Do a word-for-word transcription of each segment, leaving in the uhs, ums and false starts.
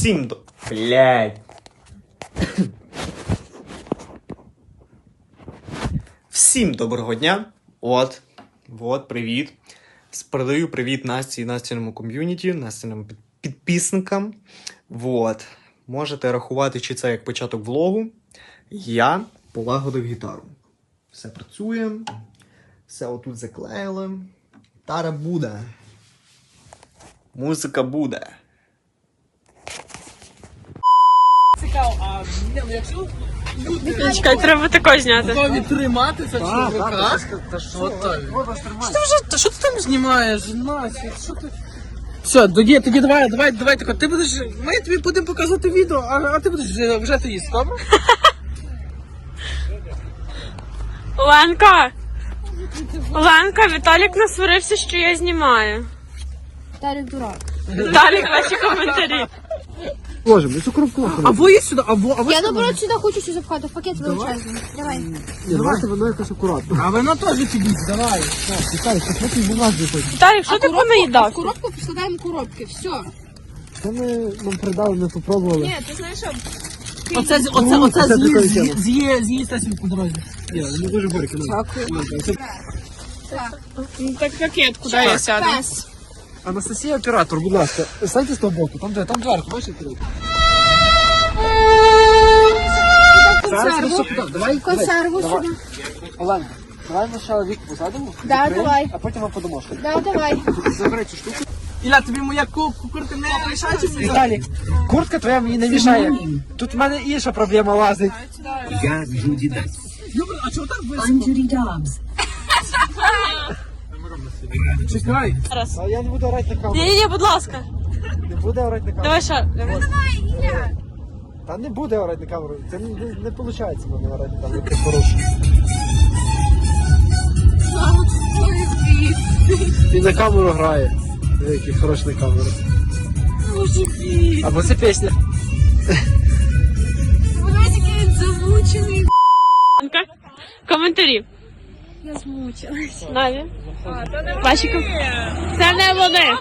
Всім до... Блядь. Всім доброго дня. От. От, привіт. Передаю привіт Насті і Настіному ком'юніті, Настіним підписникам. Вот. Можете рахувати, чи це як початок влогу. Я полагодив гітару. Все працює. Все отут заклеїли. Гітара буде. Музика буде. Цікаво, а не, ну якщо люди Чекай, треба тако зняти. готові тримати це в руках, та що то? Що ти вже, та що ти там знімаєш, Настя, що ти? Все, тоді, тоді давай, давай, давай тако, ти будеш, ми тобі будемо показувати відео, а, а ти будеш вже, вже ти їсти, добре? Оленка! Оленка, Віталік насварився, що я знімаю. Віталік дурак. Віталік, ваші коментарі. Ложим, цю коробку ложим. Або є сюди, або, або Я сюди. наоборот сюди хочу все запхати, в пакет величезний. Давай. Ні, давайте воно якось акуратно. А вона теж підіть, давай. Чекай, що потім до нас виходить. Віталік, що ти В понаїдав? коробку поскладаємо коробки, все. Це ми нам передали, ми попробували. Ні, ти знаєш що? Оце, з- оце, оце Це прикольна з'їсть, тема. з'їсть, з'їсть Настя по дорозі. Ні, вони дуже горькі. Ну так пакет, куди я сяду? Пес. Анастасія, оператор, будь ласка, станьте з того боку, там де, там дверка, бачите? Зараз ми Консерву. все туди, давай. Консерву давай. сюди. Олена, давай ми ще вік посадимо. Да, відкриємо, давай. А потім ми подамо. Да, давай. Забери цю штуку. Ілля, тобі моя ку- куртка не мішає чи ні? Віталій, куртка твоя мені не мішає. Тут в мене інша проблема лазить. Я Джуді Дабс. Юбр, а чого так високо? I'm Judy Dobbs. Чекай. А я не буду орати на камеру. Ні-ні-ні, будь ласка. Не буде орати на камеру. Давай ще. Та не буде орати на камеру. Це не, не, не виходить в мене орати на камеру. Це хороше. І на камеру грає. Диви, який хороший на камеру. Або це пісня. Оленка, коментарі. Я змучилась. Наві. Ваші коментарі. Це не вони.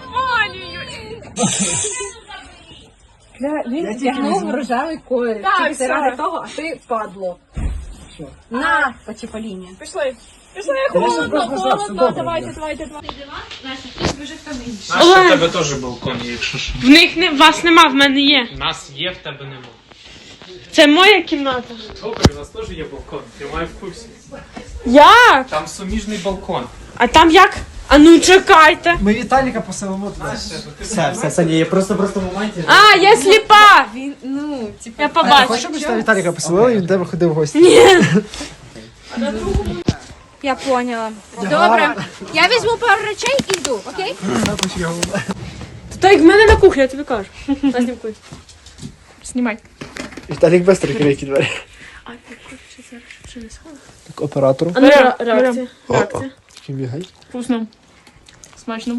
Він вдягнув рожевий колір. Так, Це ради все. того, а ти впадло. На, почепаління. Пішли. Пішли, холодно, холодно. Давайте, давайте, давайте. Настя, в тебе теж балкон є, якщо що. В них не, вас нема, в мене є. У нас є, в тебе нема. Це моя кімната. Добре, у нас теж є балкон, ти має в курсі. Як? Там суміжний балкон. А там як? А ну чекайте. Ми Віталіка поселимо туди. Все, все, все, ні, я просто, просто в моменті. А, я сліпа. Він, ну, типу, Я Хочеш, побачу. щоб ми сюди Віталіка поселили і він до тебе ходив в гості? Ні. Я поняла. Добре. Я візьму пару речей і йду, окей? Та як в мене на кухні, я тобі кажу. На знімкуй. Знімай. Віталік без трикрейки двері. А ти хочеш зараз принесла? Так, оператору. А ну ре- реакція. Реакція. Чим бігай? Вкусно. Смачно.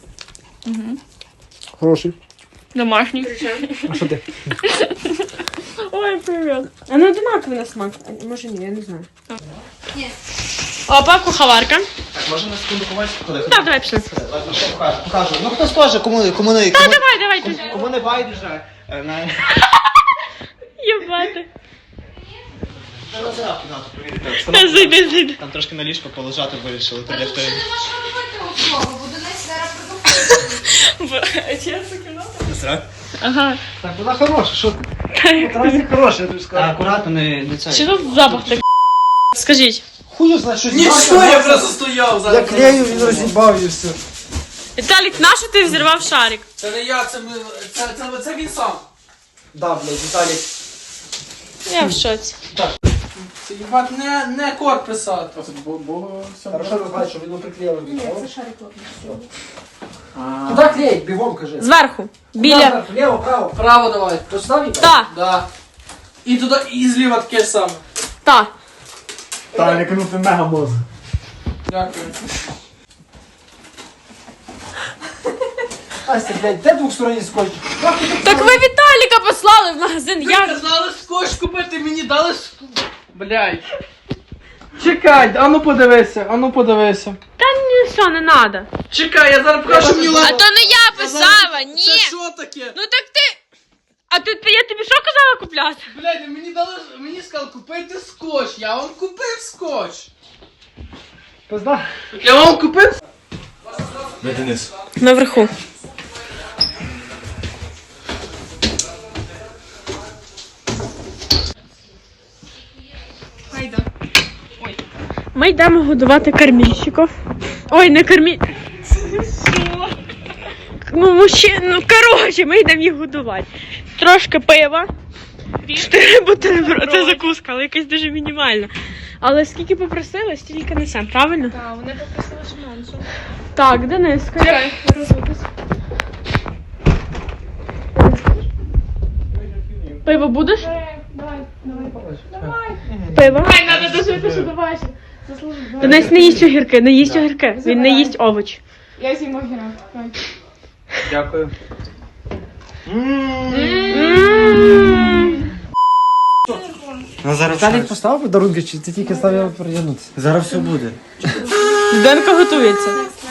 Хороший. Домашній. А що ти? Ой, привіт. А ну одинаковий на смак. А, може ні, я не знаю. Ні. Опа, куховарка. Так, можна на секунду побачити, коли? Так, давай пішли. Ладно, що покажу, покажу. Ну хтось теж, кому, кому не... Та Кому, давай, давай. ти. кому не байдуже. е, На... Єбати. На назад кімнату провірити. Та зайди, зайди. Там трошки на ліжко полежати вирішили, то для хто... Насрать? Ага. Так, вона хороша, що ти? Тарасик хороший, я тобі Та скажу. акуратно, не, не це. Чи тут запах такий? Скажіть. Хую знає, що Нічого, я просто стояв Я зараз. клею, він розібав і все. Віталік, нащо ти взірвав шарик? Це не я, це, ми, це, це, це він сам. Да, блядь, Віталік. Я в шоці. Це їбать не, не код писати. Бо, бо, все Хорошо розбавить, щоб він приклеїв. Ні, це шарик. Куди клеїть? Бігом, кажи. Зверху. Біля. Лево, право. Право давай. То сюди Віталік? Та, Да. І туди, і зліва таке саме. та. Так, не канути мега мозг. Дякую. Ася, блядь, де двохсторонній скотч? Так ви Віталіка послали в магазин. Ви Я... казали скотч купити, мені дали ск... Блядь. Чекай, а ну подивися, а ну подивися. Та ні, все, не надо. Чекай, я зараз покажу мені А лапу. то не я писала, Це ні. що таке? Ну так ти... А ти, я тобі що казала купляти? Блядь, мені дали, мені сказали купити скотч. Я вам купив скотч. Пизда. Я вам купив. Де Денис? Наверху. Ми йдемо годувати кормільщиків. Ой, не кормі... Ну, мужчин, ну, коротше, ми йдемо їх годувати. Трошки пива. Чотири бутерброди. Це закуска, але якась дуже мінімальна. Але скільки попросили, стільки несемо, правильно? Так, вони попросили, що менше. Так, Денис, скажи. Пиво будеш? Давай, давай. Пиво? Ай, треба дожити, що давай. Денис не їсть огірки, не їсть огірки. Він не їсть овоч. Я з'їм огірок. Дякую. Ну зараз Віталік поставив подарунки, чи ти тільки ставив переглянутися? Зараз все буде. Денка готується.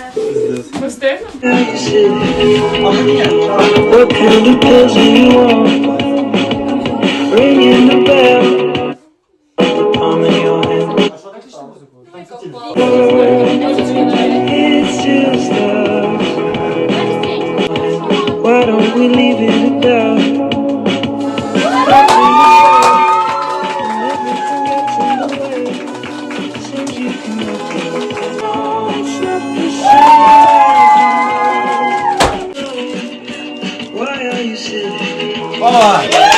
Why don't we leave it at Why are you sitting?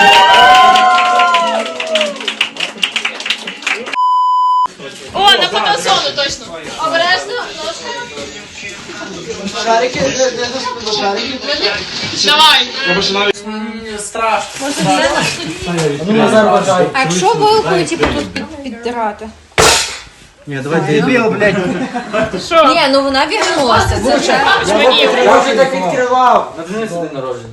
О, на фотосону точно. Обережно, ножками. Шарики, де, де, де, шарики. Давай. Страшно. Ну, Назар бажай. А якщо вилкою, типу, тут під- піддирати? Ні, давай дебіл, блядь. Ні, ну вона вігнулася. Це вже. Я вже так відкривав. На Дениса день народження.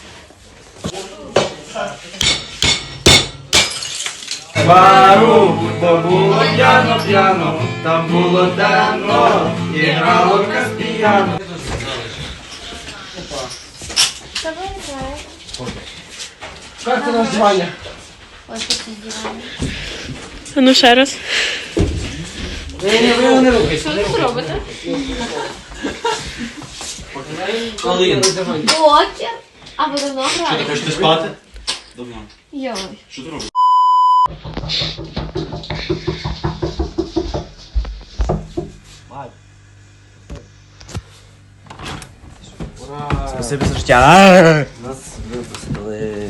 Бару, бо було п'яно, п'яно, там було темно, і грало каспіяно. Як ти на здівання? А ну ще раз. Ні, ні, ви його не рухайте. Що ви робите? Колин. Блокер. А ви давно грали? Хочете спати? Давно. Йой. Що ти робиш? Спасибі за життя. Нас випустили.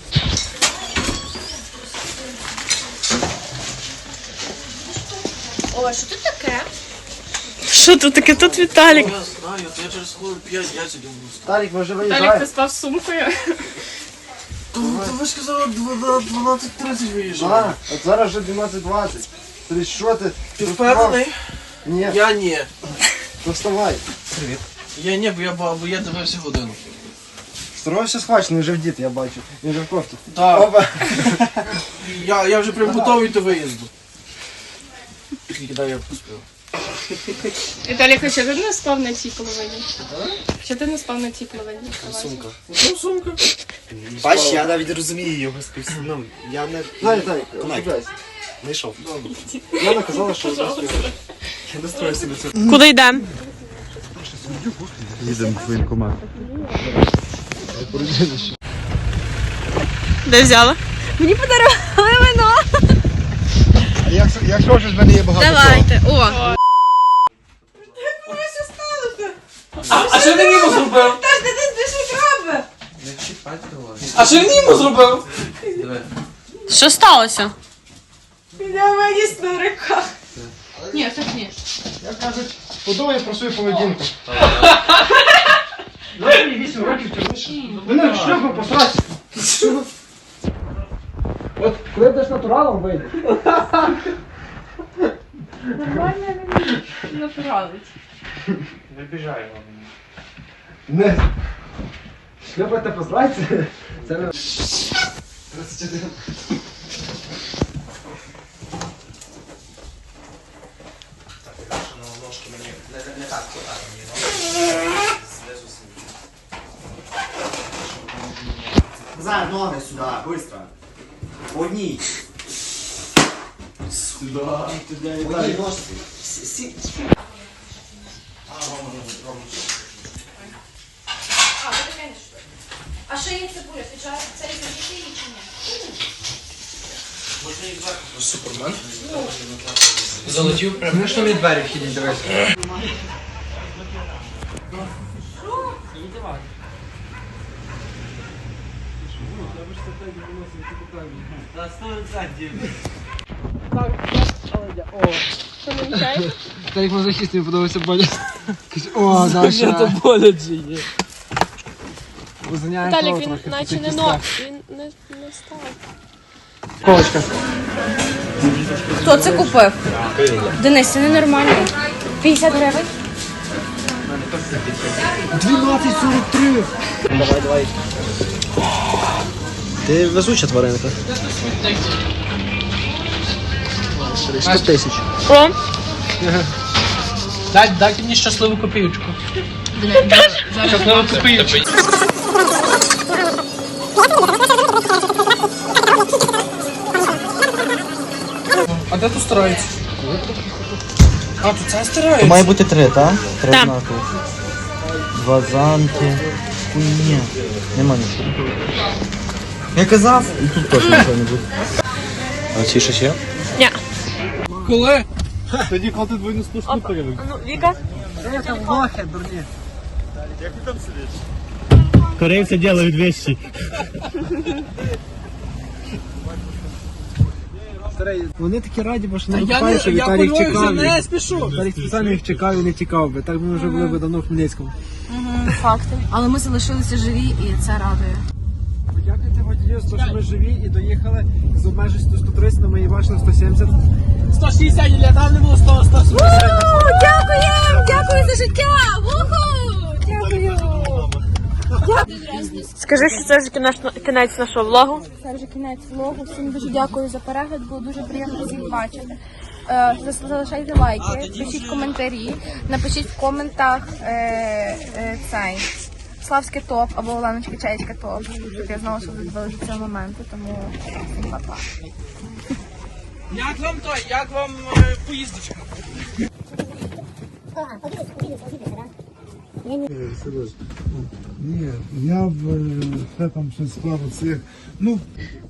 О, що тут таке? Що тут таке? Тут Віталік. Я знаю, я через хвилин п'ять я сидів. Віталік, може виїжджає? спав з сумкою. Та ви ж казали, дванадцять тридцять виїжджає. А, от зараз вже дванадцять двадцять. Тобі що ти? Ти впевнений? Ні, Я ні. то вставай. Я ні, бо я, бо я дивився годину. Старого все схвачено, він вже в діти, я бачу. Він вже в кофті. Так, Опа. я, я вже прям готовий до виїзду. Скільки дав я поспів? Віталік, а що ти не спав на цій половині? Що ти не спав на цій половині? Сумка. Ну, сумка. Бач, я навіть розумію його спів. Ну, я не Дай, Віталік, розбирайся. знайшов. Яна казала, що Я настроюся на це. Куди йдемо? Їдемо в воєнкомат. Де взяла? Мені подарували вино. А як, якщо ж в мене є багато Давайте. О. А, а що він йому зробив? А що він йому зробив? Що сталося? Ні, так ні. Як кажуть, подумай про свою поведінку. Давай мені вісім років тягнеш. Мене в шлюбу посрать. От коли будеш натуралом вийдеш. Натуралить. Не біжай вам. Не. Шлюбати посрать, це- це не... тридцять один. Назар, ноги сюди, быстро. По одній. Сюда. По одній ножці. Сі- сі- А, ви таке не що? А ще є цибуля, ти чого це різати її чи ні? Супермен. Залетів прямо. Знаєш, що мені двері вхідні дивися? Що не мішаєте? Та як мазохіст мені подобається болі. О, Даша. болить же є. Узнаємо Віталік, того він трохи. наче це не кістка. но. Він не, не став. Колочка. Хто це купив? Денис, це ненормально. п'ятдесят гривень? дванадцять сорок три. Давай, давай. Ти везуча тваринка. сто тисяч. О, Дай, дайте мені щасливу копійку. Щасливу копійку. А де тут стараються? А, тут це стараються? Має бути три, так? Три Так. знаки. Два замки. Хуйня. Нема нічого. Я казав, і тут теж нічого не буде. А ці ще ще? ні. Коли? Тоді, коли ти двойну спушку перевик. Ну, Віка? Там лохи, дурні. Корейці делають вещи. Старий, вони такі раді, бо що Та не я не, викупають, що я Віталій полюю вже чекав. не їх. спішу. Віталій спеціально їх чекав і не тікав би. Так ми вже були б давно в Хмельницькому. Факти. Але ми залишилися живі і це радує. Подякуйте водію, що ми живі і доїхали з обмеженістю сто тридцять, але ми її бачили сто сімдесят. сто шістдесят, і там не було сто, сто сімдесят. Дякуємо! Дякую за життя! Вуху! Дякую! Скажи, що це вже кінець, кінець нашого влогу. Це вже кінець влогу. Всім дуже дякую за перегляд, було дуже приємно всіх бачити. Е, зас- Залишайте лайки, пишіть коментарі, напишіть в коментах е, е, цей Славське топ або Оленочка Чаєчка топ, щоб я знову собі вилежу цього моменту, тому всім па-па. Як вам той, як вам е, поїздочка? Ні, я б е, ще там щось склав оцих. Ну,